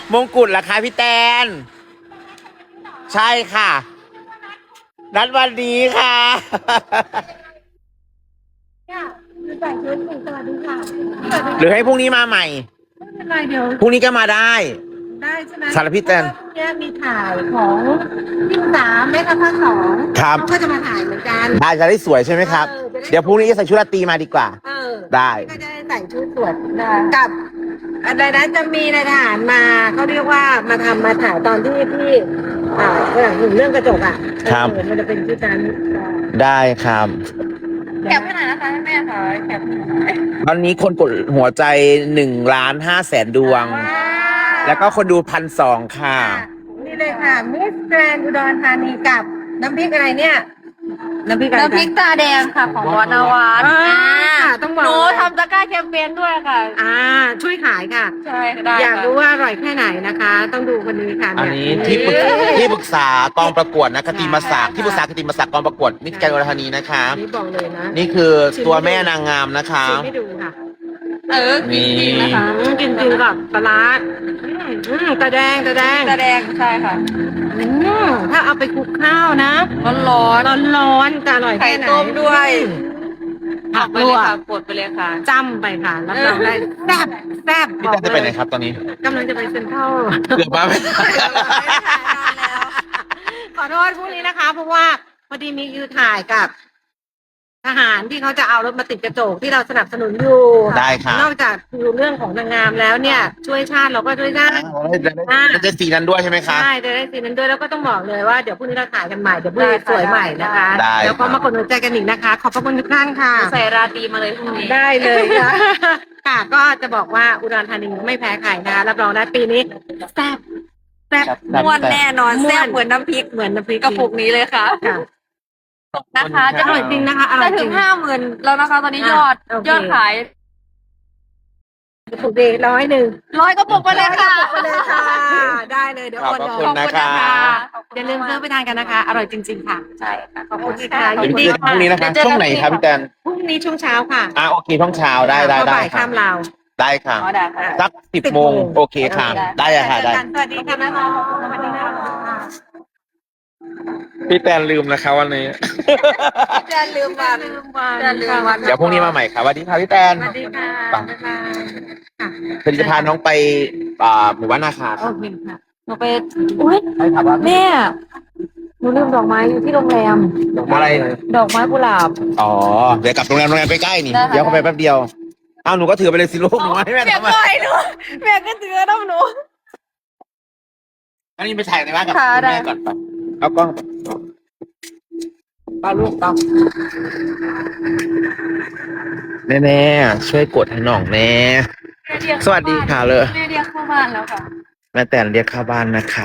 มงกุฎล่ะคะพี่แตนใช่ค่ะนัดวันนี้ค่ะใส่ชุดสวัสดีค่ะหรือให้พรุ่งนี้มาใหม่ไม่เป็นไรเดี๋ยวพรุ่งนี้ก็มาได้ได้ใช่ไหมสารพิษแตนเนี่ยมีถ่ายของพี่สามแม่ทัพภาคสองครับเขาก็จะมาถ่ายเหมือนกันได้จะได้สวยใช่ไหมครับ เดี๋ยวพรุ่งนี้จะใส่ชุดราตรีมาดีกว่า ได้ก็จะได้ใส่ชุดสวยกับอะไรนะจะมีนายทหารมาเขาเรียกว่ามาถ่ายตอนที่พี่เรื่องกระจกอ่ะครับมันจะเป็นชุดนั้นได้ครับแคปให้หน่อยนะคะแม่ค่ะแคปตอนนี้คนกดหัวใจ1,500,000 ดวง แล้วก็คนดู1,200ค่ะนี่เลยค่ะมิสแกรนด์อุดรธานีกับน้ำพริกอะไรเนี่ยน้ำพริกอะไรน้ำพริกตาแดงค่ะของวานวัฒน์ต้องบอกหนูทำตะกร้าแคมเปญด้วยค่ะช่วยขายค่ะใช่ได้อยากค่ะรู้ว่าอร่อยแค่ไหนนะคะ ต้องดูคนนี้ค่ะอันนี้ที่ปรึกษากองประกวดนะคติมศักดิ์ที่ปรึกษาคติมศักดิ์กองประกวดมิสแกรนด์อุดรธานีนะคะอันนี้บอกเลยนะนี่คือตัวแม่นางงามนะคะชิมให้ดูค่ะกินจริงนะคะกินจริงกับปลาร้าตาแดงตาแดงใช่ค่ะถ้าเอาไปคลุกข้าวนะร้อนร้อนๆจะอร่อยไข่แค่ไหนต้มด้วยผักไปลเลวย กค่ะกดไปเลยค่ะจ้ำไปค่ะรับรองได้แซ่บแซ่บพี่แตนจะไปไหนครับตอนนี้กำลังจะไปเซ็นทรัลเกือบมาไม่ทันขอโทษพรุ่งนี้นะคะ เพราะว่าพอดีมีคิวถ่ายกับ ทหารที่เขาจะเอารถมาติดกระจกที่เราสนับสนุนอยู่ได้ค่ะนอกจากดูเรื่องของนางงามแล้วเนี่ย ช่วยชาติเราก็ช่วยชาติจะสีนั้นด้วยใช่ไหมคะใช่จะได้สีนั้นด้วยแล้วก็ต้องบอกเลยว่าเดี๋ยวพรุ่งนี้เราถ่ายกันใหม่เดี๋ยวพรุ่งนี้สวยใหม่นะคะได้แล้วก็มากดหัวใจกันอีกนะคะ ขอบพระคุณทุกท่านค่ะใส่ราตรีมาเลยพรุ่งนี้ได้เลยค่ะ ค่ะก็จะบอกว่าอุดรธานีไม่แพ้ใครนะคะรับรองได้ปีนี้แซ่บแซ่บม้วนแน่นอนม่วนแซ่บเหมือนน้ำพริกเหมือนน้ำพริกกระปุกนี้เลยค่ะค่ะนะคะอร่อยจริงนะคะอร่อยจะจถึริงง 50,000แล้วนะคะ ตอนนี้ยอดโอเคยอดขายกระปุกเดี100 100กระปุกไปเลยค่ะไปเลยค่ะ ได้เลยเดี๋ยวขอบโอนพระเดี๋ยวคุณนะคะอย่าลืมซื้อไปทานกันนะคะ อร่อยจริง ๆ ค่ะใช่ค่ะขอบโอคุณเคค่ะค่ะเดี๋ยวยินไปดีเจอกันพรุ่งนี้นะคะเดี๋ยวเจอกันช่วงไหนครับพี่แตนพรุ่งนี้ช่วงเช้าค่ะโอเคช่วงเช้าได้เพราะค่ะบ่ายข้ามลาวได้ค่ะอ๋อได้ค่ะสัก10 โมงโอเคค่ะ ได้ค่ะได้สวัสดีค่ะแม่หมอสวัสดีค่ะพี่แตนลืมนะคะวันนี้จะลืมวันจะลืมวันเดี๋ยวพรุ่งนี้มาใหม่ค่ะสวัสดีค่ะพี่แตนสวัสดีค่ะไปบ๊ายบายค่ะผลิตภัณฑ์น้องไปหมู่บ้านนาคาโอเคค่ะหนูไปอุ้ยใช่ครับว่าแม่หนูลืมดอกไม้อยู่ที่โรงแรมอะไรดอกไม้กุหลาบอ๋อเดี๋ยวกลับโรงแรมใกล้ๆนี่ได้ค่ะเดี๋ยวเข้าไปแป๊บเดียวอ้าวหนูก็ถือไปเลยสิลูกหนูให้แม่แม่ทำไมก็ให้หนูแม่ก็ถือน้ำหนูอันนี้ไปถ่ายในบ้านกับค่ะคุณได้แม่ก่อนไปเอากล้องป้าลูกต้องแน่ๆช่วยกดให้หน่องแน่ สวัสดีค่ะเลยแม่เรียกเข้าบ้านแล้วค่ะแม่แตนเรียกเข้าบ้านนะคะ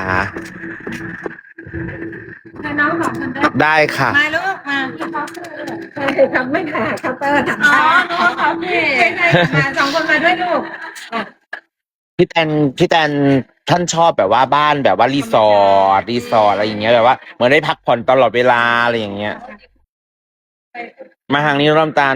ให้น้องสองคนได้ได้ค่ะมาลูกมาใช่ทำไม่ถ่ายเคาน์เตอร์ทำอ๋อได้น้องคาเฟ่ใช่มาสองคนมาด้วยลูกพี่แตนท่านชอบแบบว่าบ้านแบบว่ารีสอร์ทอะไรอย่างเงี้ยแบบว่าเหมือนได้พักผ่อนตลอดเวลาอะไรอย่างเงี้ย มาทางนี้ร่มตาล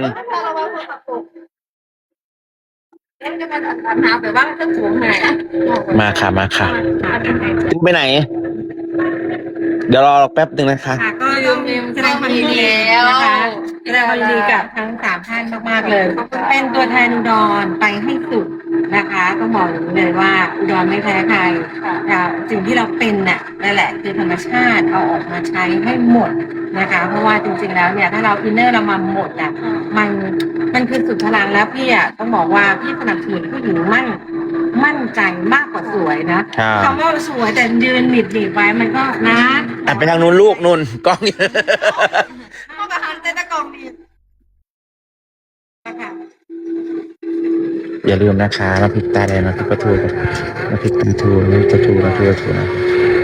จะมาถามหาแบบว่าเครื่องสูงไหนมาค่ะติ๊กไปไหน เดี๋ยวรอแป๊บหนึ่งนะคะค่ะก็ต้องแสดงความยินดีนะคะแสดงความยินดีกับทั้งสามท่านมากๆเลย เป็นตัวแทนอุดรไปให้สุดนะคะต้องบอกอย่างนี้เลยว่าอุดรไม่แพ้ใครค่ะสิ่งที่เราเป็นน่ะนั่นแหละคือธรรมชาติเอาออกมาใช้ให้หมดนะคะ เพราะว่าจริงๆแล้วเนี่ยถ้าเราอินเนอร์เรามาหมดอ่ะมันคือสุดพลังแล้วพี่อ่ะต้องบอกว่าพี่สนับสนุนผู้หญิงมั่นใจมากกว่าสวยนะคำว่าสวยแต่ยืนหนีบไว้มันก็นะไปทางนู้นลูกนุ่นกล้องเข้ากับฮันเต้นตะกองดีนะคะอย่าลืมนะคะน้ำพริกตาแดงน้ำพริกปลาทูน้ำพริกปลาทูน้ำพริกปลาทูน้ำพริกปลาทูนะ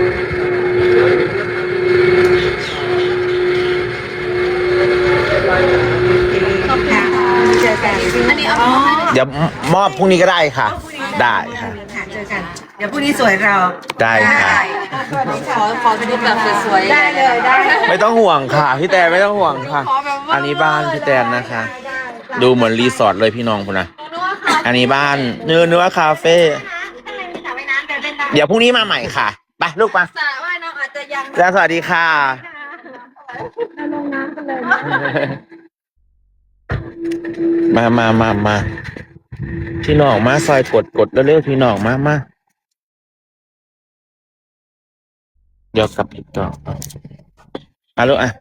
เจอกันอันนี้เอาเดี๋ยวมอบพรุ่งนี้ก็ได้ค่ะ ได้ค่ะเจอกัน เดี๋ยวพรุ่งนี้สวยเราได้ค่ะขอดูแบบสวยๆได้เลยได้ไม่ต้องห่วงค่ะพี่แตนไม่ต้องห่วงค่ะขอแบบว่าอันนี้บ้านพี่แตนนะคะ ดูเหมือนรีสอร์ทเลยพี่น้องคุณนะอันนี้บ้านเนื้อคาเฟ่ข้างในมีสระว่ายน้ำเดินเล่นได้เดี๋ยวพรุ่งนี้มาใหม่ค่ะไปลูกมาสระว่ายน้ำอาจจะยังแล้วสวัสดีค่ะเราลงน้ำกันเลยนะมาพี่น้องมาซอยกดเร็วๆพี่น้องมาเดี๋ยวกลับอีกต่อลูกอ่ะ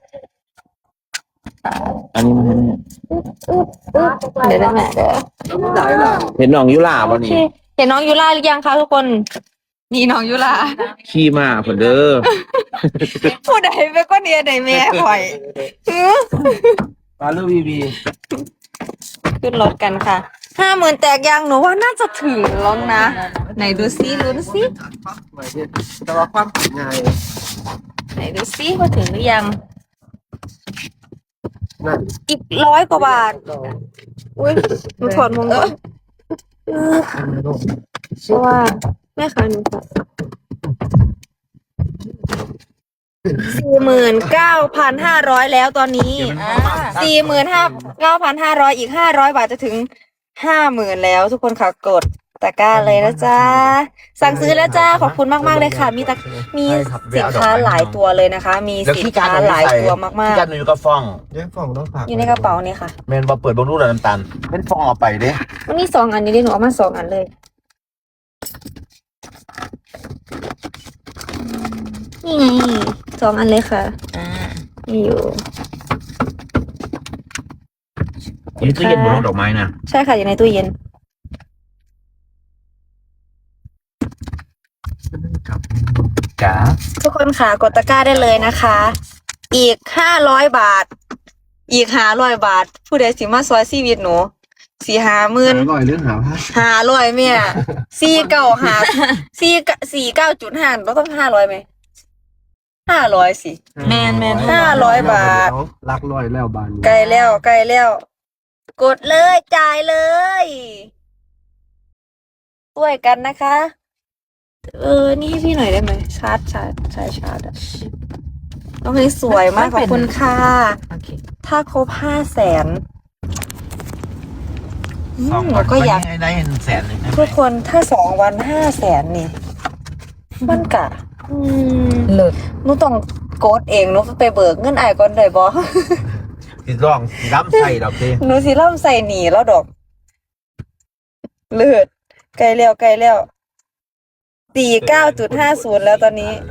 อันนี้มันเดี๋ยวได้แม่เดี๋ยวเห็นน้องยุลาป่ะนี่เห็นน้องยูราหรือยังคะทุกคนนี่น้องยูราขี่มาเพิ่นเด้อผู้ใดเป็นก็เนี่ยใดแม่ข่อยมาลูกบีบีขึ้นรถกันค่ะ50,000แตกยังหนูว่าน่าจะถึงแล้วนะ ไหนดูซิลุ้นซิแต่ว่าความถึงไงไหนดูซิว่าถึงหรือยังนั่นอีก100 กว่าบาทอุ้ยหนูถอดมงก่อนเพราะว่าแม่ค้าหนูค่ะ49,500แล้วตอนนี้49,500อีก500 บาทจะถึง50,000แล้วทุกคนค่ะกดตะกร้าเลยนะจ๊ะสั่งซื้อแล้วจ้าขอบคุณมากๆเลยค่ะมีสินค้าหลายตัวเลยนะคะ มีสินค้าหลายตัวมากพี่การหนูอยู่กับฟองแยกฟองต้องฝากๆอยู่ในกระเป๋านี่ค่ะแมนบอเปิดบงรูดน้ำตาลเป็นฟองเอาไปเด้มันมี2 อันนี้ดิหนูเอามา2 อันเลยนี่ไง2 อันเลยค่ะมีอยู่นี่ตู้เย็นบนดอกไม้นะใช่ค่ะอยู่ในตู้เย็นจ้าทุกคนค่ะกดตะกร้าได้เลยนะคะ อีก500 บาท อีก500 บาท ผู้ใดสิมาซอยชีวิตหนู4-50,000 อร่อยเรื่องหาผ้า 500แม่49.5เราต้อง500ไหม500สิแมน500 บาทรักร้อยแล้วบานใกล้แล้ว กดเลยจ่ายเลยช่วยกันนะคะ นี่ให้พี่หน่อยได้ไหมชาร์จอ่ะน้องเพลงสวยมากขอบคุณค่ะถ้าครบ500,000เราก็อยากได้100,000เลยนะทุกคนถ้า2 วัน500,000นี่มันกะเลิศหนูต้องโกดเองหนูไปเบิกเงินอ้ายก่อนได้บ่สิร้องสิล้ำใส่ดอกเด้หนูสิล่ำใส่หนีแล้วดอกเลิศใกล้แล้ว49.50แล้วตอนนี้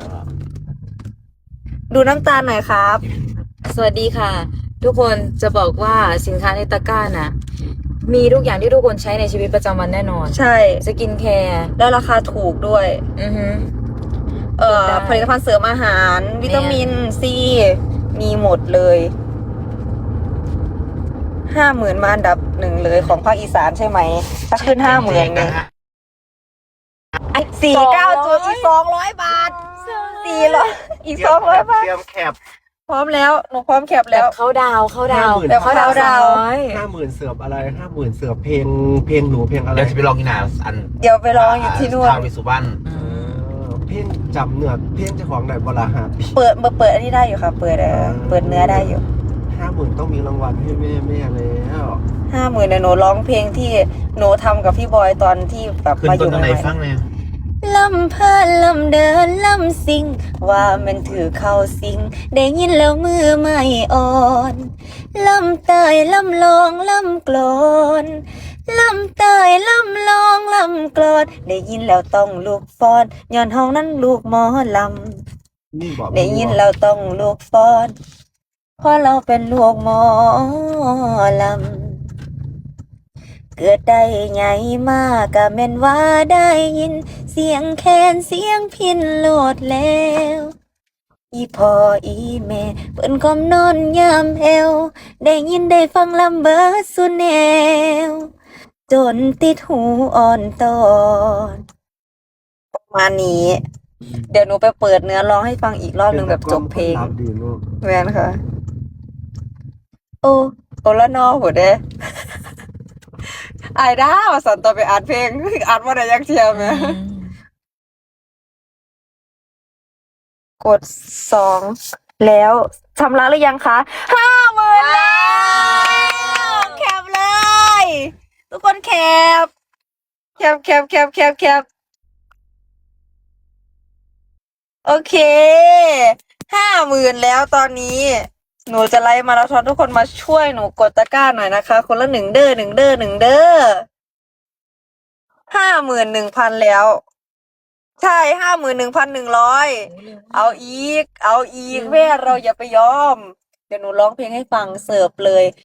ดูน้ำตาลหน่อยครับสวัสดีค่ะ ทุกคนจะบอกว่าสินค้าในตะกร้าน่ะ มีทุกอย่างที่ทุกคนใช้ในชีวิตประจำวันแน่นอนใช่สกินแคร์แล้วราคาถูกด้วยอือฮึ ได้ผลิตภัณฑ์เสริมอาหาร วิตามินซีมีหมดเลย 50,000มาอันดับ1เลยของภาคอีสานใช่ไหม ถ้าขึ้น 50,000เนี่ย49อีก200 บาท400อีก200 บาทเตรียมแคบพร้อมแล้วหนูพร้อมแคปแบแล้วบเขาดาวน์แบบเขาดาวน์ 50,000เสือบอะไร50,000เสือบเพลงหนูเพลงอะไรเดี๋ยวจะไปลองกินอันเดี๋ยวไปลองอยู่ที่นู่นทาววิสุวรรณเพลงจำเนื้อเพลงเจ้าของได้บลาหาปีเปิดอันนี้ได้อยู่ค่ะ เปิดเนื้อได้อยู่ 50,000ต้องมีรางวัลให้แม่แล้ว 50,000เนี่ยหนูร้องเพลงที่หนูทำกับพี่บอยตอนที่แบบขึ้นมาอต้นยู่ตั้งใหไหนม่ฟังเนี่ยลำเพลินลำเดินลำสิงว่ามันถือเข้าสิงได้ยินแล้วมือไม่อ่อนลำเตยลำลองลำกลอนลำเตยลำลองลำกลอนได้ยินแล้วต้องลูกฟ้อนย้อนเฮานั้นลูกหมอลำนี่บอกได้ยินเราต้องลูกฟ้อนเพราะเราเป็นลูกหมอลำเกิดได้ไงมากกะแม่นว่าได้ยินเสียงแคนเสียงพินโลดแล้วอีพ่ออีแม่เปิ้นก้มนอนยามแอวได้ยินได้ฟังลำเบิดสุดแนวจนติดหูอ่อนตอนประมาณนี้ เดี๋ยวหนูไปเปิดเนื้อร้องให้ฟังอีกรอบหนึ่งแบบจบเพลงดีลูกแม่นค่ะ โอ้ละนอหัวเด้ อายด้าว่าสันต่อไปอ่านเพลง อ่านว่าได้ยักเทียมไหมกด2แล้วชำระหรือยังคะ50,000แล้วแคปเลย ทุกคนแคปโอเค50,000แล้วตอนนี้ หนูจะไล่มาราธอนทุกคนมาช่วยหนูกดตะกร้าหน่อยนะคะ คนละ1 เด้อ1 เด้อ1 เด้อ51,000แล้ว ใช่51,100เอาอีกแม่เราอย่าไปยอม เดี๋ยวหนูร้องเพลงให้ฟังเสิร์ฟเลย